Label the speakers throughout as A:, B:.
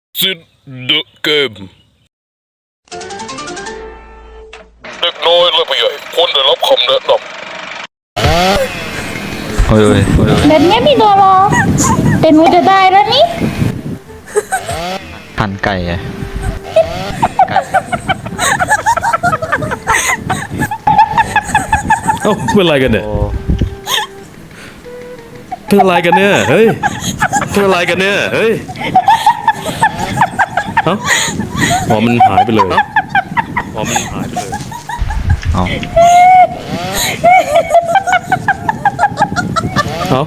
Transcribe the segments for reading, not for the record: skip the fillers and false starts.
A: ซิดเดอะเกมเด็กน้อยและผู้ใหญ่ควรได้รับคำแนะนำ
B: โอ้ย
C: แบบนี้พี่โดรอแต่หนูจะได้แล้วนี่
B: หั่นไก่ไง
A: เอ้าเป็นอะไรกันเนี่ยเป็นอะไรกันเนี่ยเฮ้ยเป็นอะไรกันเนี่ยเฮ้ยเอ้าอ๋อมันหายไปเลยอ๋อมันหายไปเลย
B: เอา
A: เอา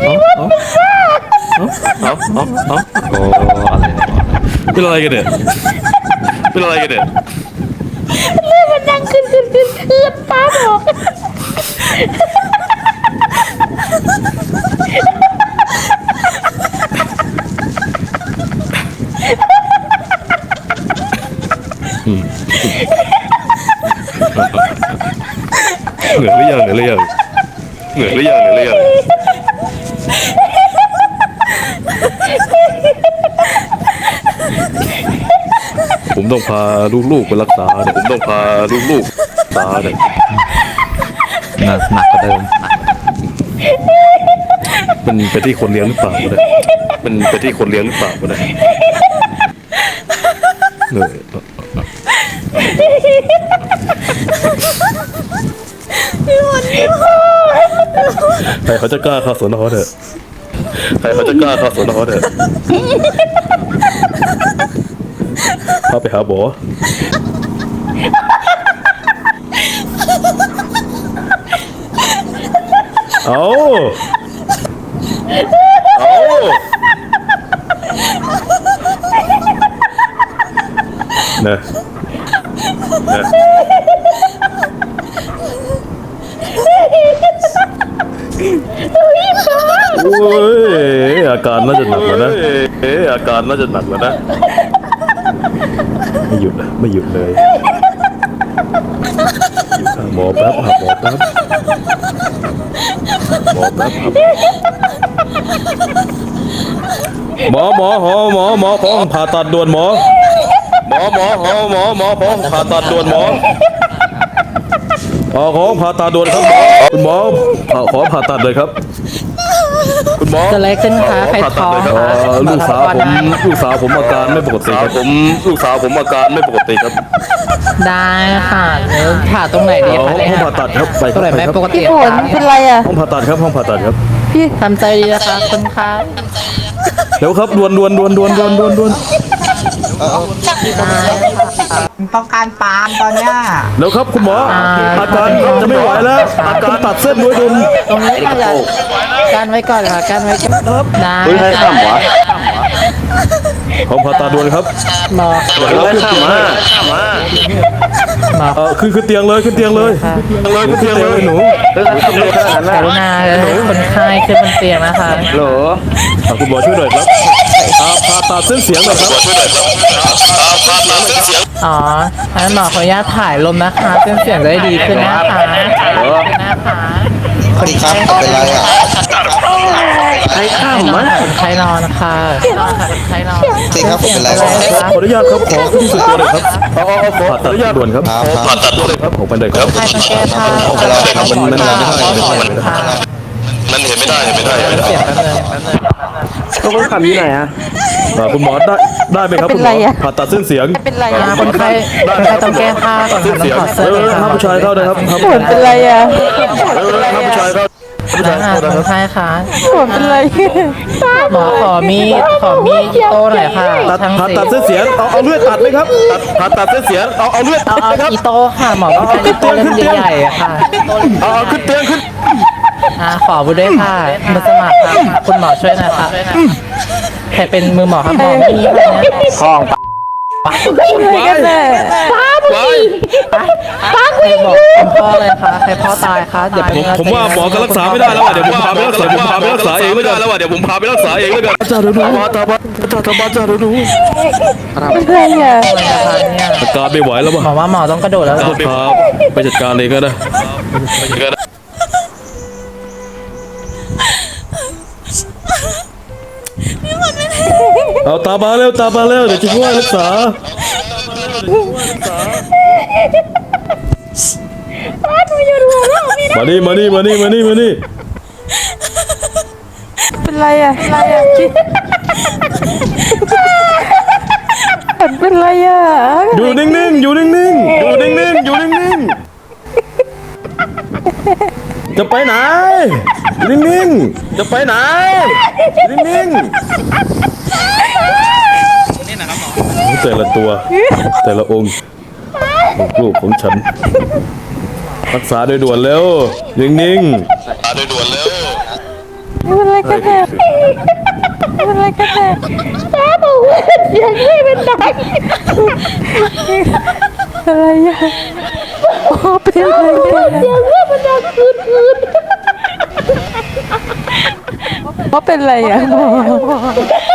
B: โอ้อะไรเนี่ย
A: เป็นอะไรกันเนี่ยเป็นอะไรกันเนี่ย
C: เลือดมันดังขึ้นป้าบอก
A: เหนื่อยหรือยังผมต้องพาลูกๆไปรักษาเนี่ยตาเนี่ย
B: หนักกว่าเดิม
A: มันไปที่คนเลี้ยงหรือเปล่าเนี่ยเหนื่อยใครเขาจะกล้าเข้าสวนเขาเถอะพาไปหาหมอเอานะโอ้ยอาการน่าจะหนักแล้วนะไม่หยุดเลยหมอแป๊บหมอขอผ่าตัดด่วนหมอขอผ่าตัดด่วนครับคุณหมอขอผ่าตัดเลยครับคุณหมอ
D: เกิดอะไรขึ้นคะใครท้องคะ
A: ลูกสาวผมอาการไม่ปกติครับ
D: ได้ค่ะเดี๋ยวผ่าตรงไหนดีคะ
A: ห้องผ่าตัดครับ
D: ตรงไหนไม่ปกติ
C: พี่ฝนเป็นไรอ่ะ
A: ห้องผ่าตัดครับ
D: พี่ทำใจดีนะคะคุณคะ
A: เร็วครับด่วน
D: ต้องการปาล์มตอนเนี้ย
A: เร็วครับคุณหมออาการจะไม่ไหวแล้วต้องตัดเส้นด้วยดุม
D: ตรงนี้ค่ะการไว้ก่อนค่ะการไว้ก่อนได้ค่ะ
A: ห้องผ่าตัดด่วนครับ
D: หมอ
A: ขึ้นเตียงเลยหนู
D: กรุณาคนไข้ขึ้นบนเตียงนะคะ
A: คุณหมอช่วยหน่อยครับผ่าตัดเส้นเสียงหน่อยครับ
D: อ๋องั้นหมอขออนุญาตถ่ายลมนะคะเส้นเสียงจะได้ดีขึ้นนะคะ
B: คนไข้เป็นไรอ่ะ
D: ใครข้ามมาคนไข้นอนค่ะคนไข้นอน
B: จริงครับผมเป็นไร
A: ขออนุญาตครับขอที่สุดตัวเลยครับผ่าตัดด่วนครับผ่าตัดด่วนเลยครับผมเป็นเด็กครับ
D: ใครต้องแก้ผ้า
A: มันเห็นไม่ได้
D: เสียงกันเลย
B: ต้องขับอยู่ไหนอ่ะ
A: คุณหมอได้ไหมครับคุณหมอผ่าตัดเส้นเสียง
C: เป็นไรอ่ะ
D: คนไข้ต้องแก้ผ้าก่อนต้องถอดเสื้อ
A: ห้ามผู้ชายเข้านะครับ
C: ฝนเป็นไรอ่ะ
A: ห้ามผู้ชายเข้า
D: คนไข้ค่ะ
C: ฝนเป็นไร
D: หมอขอมีดโต้หน่อยค่ะ
A: ผ่าตัดเส้นเสียงเอาเลือดตัดไหมครับผ่าตัดเส้นเสียงเอาเลือดตัดไหมครับ
D: อีโต้ค่ะหมอต้องการอีโต้เล่มใหญ่ๆค่ะ
A: ขึ้นเตียงขึ้น
D: ขอบุด้วยค่ะมือสมัครค่ะคุณหมอช่วยหน่อยค่ะใครเป็นมือหมอครับหมอไม่มีค่ะเนี่ย
B: ท้อง
C: ไปกันเลยป้าบุญ
D: ใครบอกคุณพ่อเลยค่ะใครพ่อตายคะเดี๋ยว
A: ผมว่าหมอก็รักษาไม่ได้แล้วเดี๋ยวผมพาไปรักษาเองแล้วกันจ้าเดี๋ยวดูตาบ้าเดี๋ยวดู
C: เป็นไรอ่ะ
A: อาการไม่ไหวแล้วป่ะ
D: หมอว่าหมอต้องกระโดดแล้ว
A: ครับไปจัดการเองก็ได้เอาตามมาเร็วเดี๋ยวจะช่วยรักษามานี่
C: เป็นไรอ่ะเป็นไรอ่ะ
A: อยู่นิ่งจะไปไหนนิ่งจะไปไหนนิ่งแต่ละตัวแต่ละองค์ลูกของฉันรักษาโดยด่วนแล้วนิ่ง
C: เป็นไรกันแน่ตาบอกว่าเสียงไม่เป็นไรอะไรอ่ะเป็นไรกันเสียงไม่เป็นดังคืนเป็นไรอ่ะ